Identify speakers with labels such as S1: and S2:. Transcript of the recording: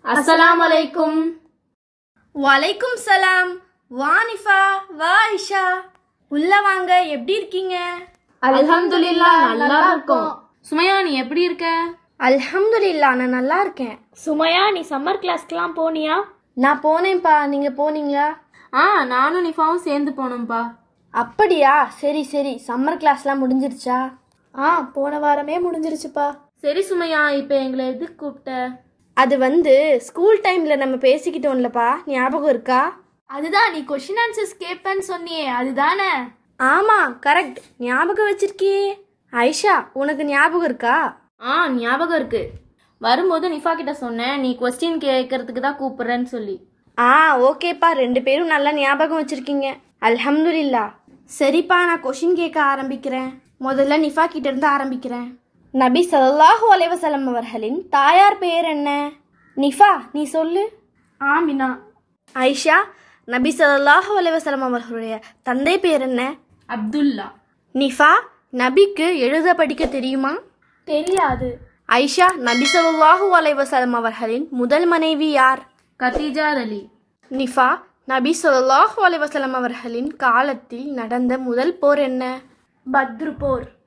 S1: அஸ்ஸலாமு அலைக்கும்.
S2: வலைக்கும் சலாம். வா நிஃபா, வா ஐஷா, உள்ள வாங்க. எப்படி இருக்கீங்க?
S1: அல்ஹம்துலில்லாஹ், நல்லா இருக்கோம். சுமையா, நீ எப்படி இருக்க?
S2: அல்ஹம்துலில்லாஹ், நான் நல்லா இருக்கேன்.
S3: சுமையா, நீ சம்மர் கிளாஸ்க்குலாம் போனியா?
S2: நான் போனேன்ப்பா. நீங்க போனீங்களா?
S1: நானும் நிஃபாவும் சேர்ந்து போனோம்ப்பா.
S2: அப்படியா? சரி சரி. சம்மர் கிளாஸ்லாம் முடிஞ்சிருச்சா?
S3: போன வாரமே முடிஞ்சிருச்சுப்பா.
S1: சரி சுமையா, இப்போ எங்களை எதுக்கு கூப்பிட்ட?
S2: அது ஸ்கூல் டைம்ல நம்ம பேசிக்கிட்டோம்லப்பா, ஞாபகம் இருக்கா?
S3: அதுதான், நீ கொஸ்டின் ஆன்சர்ஸ் கேட்பேன்னு சொன்னியே, அதுதானே?
S2: ஆமா, கரெக்ட். ஞாபகம் வச்சிருக்கியே. ஐஷா, உனக்கு ஞாபகம் இருக்கா?
S1: ஞாபகம் இருக்கு. வரும்போது நிஃபா கிட்ட சொன்னேன், நீ கொஸ்டின் கேட்கறதுக்கு தான் கூப்பிடுறேன்னு சொல்லி.
S2: ஓகேப்பா. 2 பேரும் நல்லா ஞாபகம் வச்சிருக்கீங்க. அல்ஹம்துலில்லாஹ். சரிப்பா, நான் கொஷின் கேட்க ஆரம்பிக்கிறேன். முதல்ல நிஃபா கிட்ட இருந்து ஆரம்பிக்கிறேன். நபி ஸல்லல்லாஹு அலைஹி வஸல்லம் அவர்களின் தாயார் பெயர் என்ன? நிஃபா, நீ சொல்லு.
S3: ஆமினா.
S2: ஐஷா, நபி ஸல்லல்லாஹு அலைஹி வஸல்லம் அவர்களுடைய தந்தை பெயர் என்ன?
S1: அப்துல்லா.
S2: நிஃபா, நபிக்கு எழுத படிக்க தெரியுமா?
S3: தெரியாது.
S2: ஐஷா, நபி ஸல்லல்லாஹு அலைஹி வஸல்லம் அவர்களின் முதல் மனைவி யார்?
S1: கதீஜா அலி.
S2: நிஃபா, நபி ஸல்லல்லாஹு அலைஹி வஸல்லம் அவர்களின் காலத்தில் நடந்த முதல் போர் என்ன?
S3: பத்ரு போர்.